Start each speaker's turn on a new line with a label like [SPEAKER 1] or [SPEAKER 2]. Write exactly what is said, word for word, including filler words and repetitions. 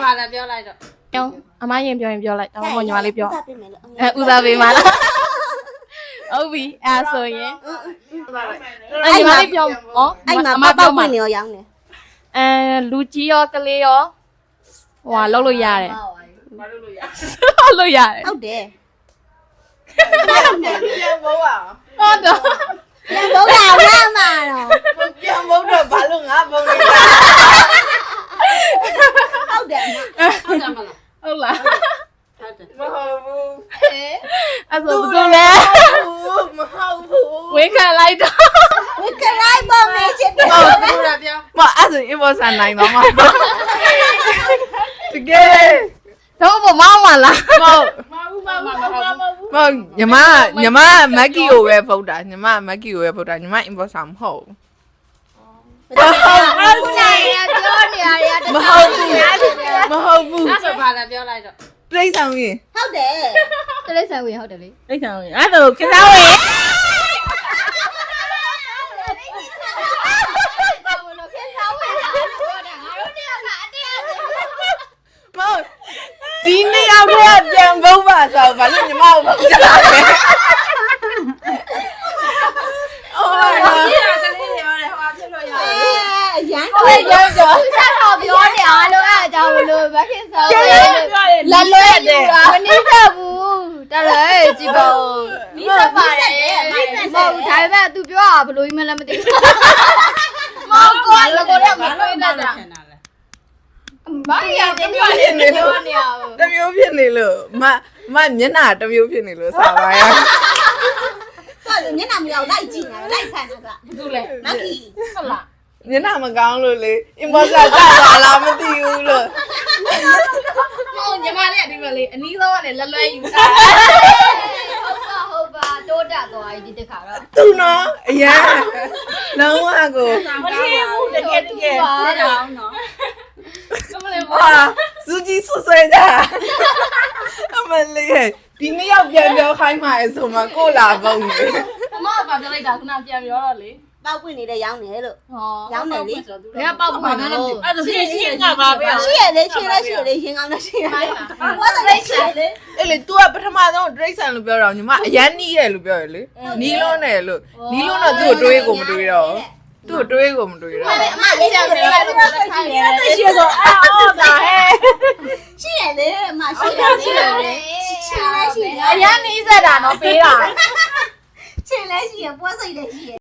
[SPEAKER 1] ဘာလဲပြောလိုက်တော့
[SPEAKER 2] ကျောင်းအမရင်ပြောရင်ပြောလိုက်ဒါမှမဟုတ်ညီမလေးပြော
[SPEAKER 3] ဥစားပေးမယ်လို့
[SPEAKER 2] အဲဦးစားပေးပါလားဟုတ်ပြီအဲဆိုရင်အဲညီမလေးပြောဩ
[SPEAKER 3] အဲ့မှာမပေါက်ပွင့်နေရောရောင်းနေ
[SPEAKER 2] အဲလူကြီးရောကလေးရောဟိုလောက်လို့ရတယ်
[SPEAKER 1] ဘာလို့လို့ရ
[SPEAKER 2] ဟုတ်လို့ရတယ်
[SPEAKER 3] ဟုတ်တယ်
[SPEAKER 1] ပြန်ဘုံอ่ะ
[SPEAKER 2] ဟုတ်တော့
[SPEAKER 3] ပြန်ဘုံလာလာမှာတော့
[SPEAKER 1] ပြန်ဘုံတော့ဘာလို့ငါဘုံနေတာ
[SPEAKER 3] ဟုတ်တယ်အမ
[SPEAKER 1] ဟုတ်တယ်မလား
[SPEAKER 2] ဟုတ်လား
[SPEAKER 1] ဟုတ်တယ်မဟုတ်ဘူး
[SPEAKER 2] အဲ့ဆိုဘယ်လိုလဲ
[SPEAKER 1] မဟုတ်ဘူး
[SPEAKER 2] ဝင်းခံလိုက်တော့
[SPEAKER 3] ဝကလိုက်ပါမယ်ချစ်တယ်
[SPEAKER 1] ဟုတ်ဘူးလားပြောမအဲ့ဆို inbox နိုင်တော့မှာတကယ်
[SPEAKER 2] တော့ဘမောင်းမလား
[SPEAKER 1] မဟုတ်မဟုတ်မဟုတ်မဟုတ်ညီမညီမမက်ကီကိုပဲဖုတ်တာညီမမက်ကီကိုပဲဖုတ်တာညီမ inbox မဟုတ်
[SPEAKER 3] ဟုတ်တယ်ပြောနေရတယ်
[SPEAKER 1] မဟုတ်ဘူးမဟုတ်ဘူး
[SPEAKER 2] အဲ့ဆိုဘာလဲပြောလိုက်တော့
[SPEAKER 1] ပြိဆောင်ရင်
[SPEAKER 3] ဟုတ်တယ်
[SPEAKER 4] တလေးဆန်ဝင်ဟုတ်တယ်လေ
[SPEAKER 2] အိတ်ဆောင်ရင်အဲ့ဆိုခစားဝင်
[SPEAKER 1] မဟုတ်ဒီနေ့ရောက်တော့ပြန်ဘုံပါဆိုဘာလို့ညီမကိုဖုတ်ကြတာလဲအော်
[SPEAKER 2] ကလေးကလေးတွေရတယ်ဟောဖြစ်လို့ရ
[SPEAKER 3] အဲရန်
[SPEAKER 4] ဟိုရောကြောဆက်တော့ပြောနေအားလို့အဲ့အကြောင်းလို့ဘာဖြစ်ဆောင်းလဲလက်လွဲတယ်မနေတော့ဘူးတလည်းကြည့်ပါဦး
[SPEAKER 2] နီးစပ်ပါတယ်
[SPEAKER 4] မဟုတ်ဘူးဒါပေမဲ့ तू ပြောတာဘလို့ကြီးမလဲမသိဘူး
[SPEAKER 2] မောင်ကောလကိုရမလို့တတ်တာ
[SPEAKER 4] ဘာရတဲ့ပြောနေလို့နေအောင်
[SPEAKER 1] တမျိုးဖြစ်နေလို့မမမျက်နှာတမျိုးဖြစ်နေလို့စာပါရ
[SPEAKER 3] တော့ညနေမရောက်လိုက်ကြည့်နေတာလိုက်ဖန်တာက
[SPEAKER 2] ဘူးလေ
[SPEAKER 3] မက်ကီ
[SPEAKER 2] ဟုတ်လား
[SPEAKER 1] မျက်နှာမကောင်းလို့လေ inbox ကကြာသွားလားမသိဘူးလို့
[SPEAKER 2] ဟိုညီမလေးအဒီမလေးအနီးဆုံးကနေလက်လွဲယူတာ
[SPEAKER 4] ဟုတ်ပါဟုတ်ပါတိုးတက်သွားပြီဒီတစ်ခါတော့
[SPEAKER 1] သူနော်အရန်လုံးဝကို
[SPEAKER 2] မထင်ဘူးတကယ်တကယ်
[SPEAKER 4] ပါတော့
[SPEAKER 2] ကမလေး
[SPEAKER 1] ဟာစူကြီးဆွဆွဲကြအမလေးဒီနေ့ရောက်ပြန်ပြောခိုင်းမှာဆိုမှကိုလာပုံနေ
[SPEAKER 2] အမကပြောလိုက်တာခုနပြန်ပြောတော့လေ
[SPEAKER 3] ပေါက်ပွင့်နေတဲ့ရောင်းနေလို့
[SPEAKER 2] ဟော
[SPEAKER 3] ရောင်းနေလေ
[SPEAKER 4] ဘယ်ကပေါက်ပွင့်လို့
[SPEAKER 2] အဲ့ဒါရှင်းရှင်းကပါဗျာ
[SPEAKER 3] ရှိရလေရှိရရှိရလေရင်ကောင်းလို့ရှိရလေဘာသာလေးရှိရလေ
[SPEAKER 1] အဲ့လေ तू ကပထမဆုံးဒရိတ်ဆန်လို့ပြောတော့ညီမအရန်နီးတယ်လို့ပြောရလေနီးလုံးတယ်လို့နီးလုံးတော့သူ့ကိုတွေးကိုမတွေးတော့သူ့ကိုတွေးကိုမတွေးတော့
[SPEAKER 3] အမရေးကြတယ်လိုက်လို့ခိုင်းတယ်
[SPEAKER 2] ရှိရဆိုအော်ဒါဟဲ့
[SPEAKER 3] ရှိရလေအမရှိရလေရှိရလေရှိရရှိရ
[SPEAKER 2] အရန်နီးစက်တာနော်ပေးတာ
[SPEAKER 3] ချင်လဲရှိရပွဲစိတ်လည်းရှိရ